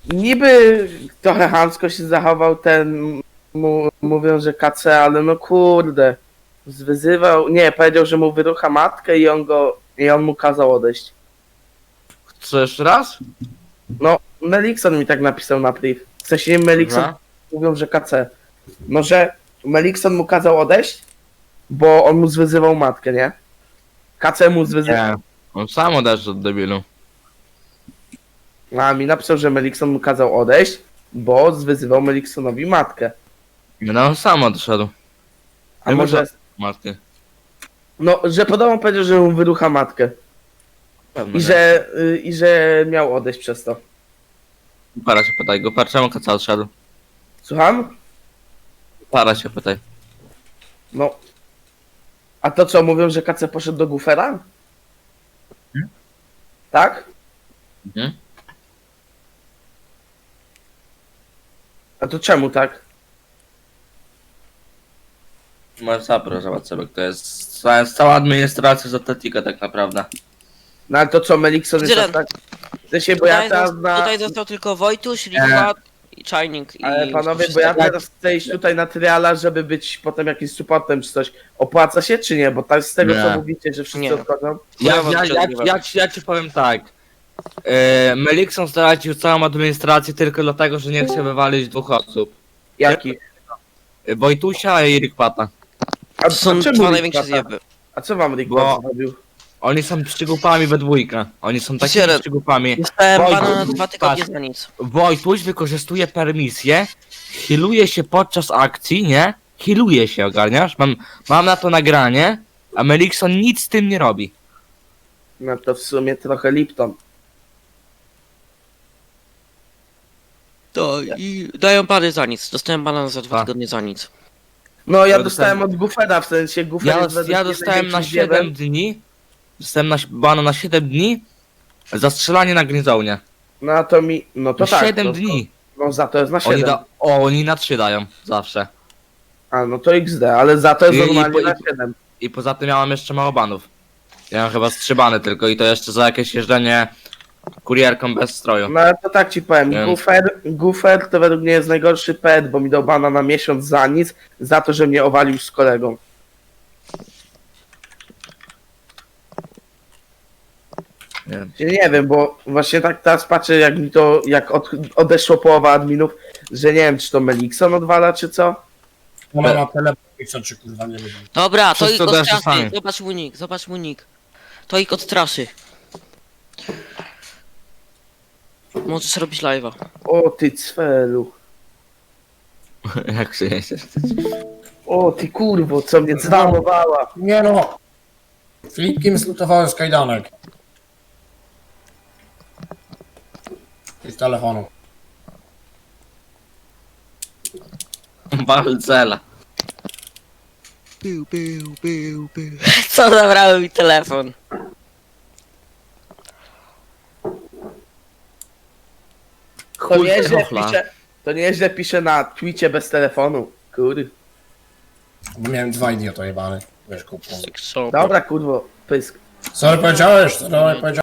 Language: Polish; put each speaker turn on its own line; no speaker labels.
niby trochę chamsko się zachował ten, mówią, że KC, ale no kurde, wyzywał, nie, powiedział, że mu wyrucha matkę i on mu kazał odejść.
Co jeszcze raz?
No, Melikson mi tak napisał na priv. W sensie Melikson
Dobra.
mówią, że KC. No, że Melikson mu kazał odejść, bo on mu zwyzywał matkę, nie? KC mu zwyzywał.
Nie. On sam odeszł od debilu.
A mi napisał, że Melikson mu kazał odejść, bo zwyzywał Meliksonowi matkę.
No on sam odszedł.
A
Ja
może...
Matkę.
No, że podobno powiedział, że mu wyrucha matkę.
Pewno,
I że miał odejść przez to.
Para się pytaj go, czemu kaca odszedł?
Słucham?
Para się pytaj.
No. A to co, mówią, że KC poszedł do Gufera? Tak?
Mhm.
A to czemu tak?
Możesz zaproszać sobie, to jest cała administracja z Atletika tak naprawdę.
No ale to co, Melikson jest
Dylan.
tak... W sensie, bo ja
Tutaj,
teraz na...
tutaj został tylko Wojtuś, Liwa i Czajnik.
Ale
i
panowie, bo ja teraz chcę iść tutaj na triala, żeby być potem jakimś supportem czy coś. Opłaca się czy nie? Bo tak z tego
Nie.
co mówicie, że wszyscy
Nie.
odchodzą.
Ja ci powiem tak. Melikson stracił całą administrację tylko dlatego, że nie chce wywalić dwóch osób.
Jaki?
Wojtusia i Rikpata.
A
To są
czemu
dwa
Rick
największe
Pata?
zjeby.
A co wam Rick
Bo-
Pata zrobił?
Oni są przygłupami we dwójkę. Oni są takimi
Siedem.
przygłupami.
Dostałem
Wojtuś,
bana na 2 tygodnie
patrz.
za nic.
Wojtuś wykorzystuje permisję, healuje się podczas akcji, nie? Healuje się, ogarniasz? Mam na to nagranie, a Melikson nic z tym nie robi.
No to w sumie trochę Lipton.
To i dają bany za nic. Dostałem bana za 2
A.
tygodnie za nic.
No ja
Ja
dostałem
dostałem-
od Gufera, w sensie Gufer
Ja,
jest według
ja
mnie
dostałem na
największym
7
zjebem.
dni. Dostałem bana na 7 dni za strzelanie na Gryzonie.
No to mi... No to
Na
tak.
7
to,
dni.
No za to jest na 7.
Oni na 3 dają zawsze.
A no to XD, ale za to jest
I- i-
normalnie
i-
na 7.
I poza tym miałem jeszcze mało banów. Ja mam chyba 3 bany tylko i to jeszcze za jakieś jeżdżenie kurierką bez stroju.
No ale to tak ci powiem,
Więc-
Gufer to według mnie jest najgorszy pet, bo mi dał bana na miesiąc za nic, za to, że mnie owalił z kolegą.
Nie wiem.
Nie wiem, bo właśnie tak teraz patrzę, jak mi to, odeszło połowa adminów, że nie wiem, czy to Melikson odwala, czy co.
Ona ma telefon, czy kurwa nie wiem.
Dobra, to ich
Wszyscy odeszli
odstraszy.
sami.
Zobacz mu nick. To ich odstraszy. Możesz robić live'a.
O ty cfelu.
Jak się jeździsz?
O ty kurwo, co mnie zwarowała.
Nie no! Filipkiem zlutowałem z kajdanek. I z telefonu.
Balcela.
Co zabrały mi telefon?
To nieźle pisze na Twitcie bez telefonu. Kur.
Bo miałem 2 idiota jebany. Wiesz, kupą.
Dobra kurwo, pysk.
Co powiedziałeś? Co powiedziałeś?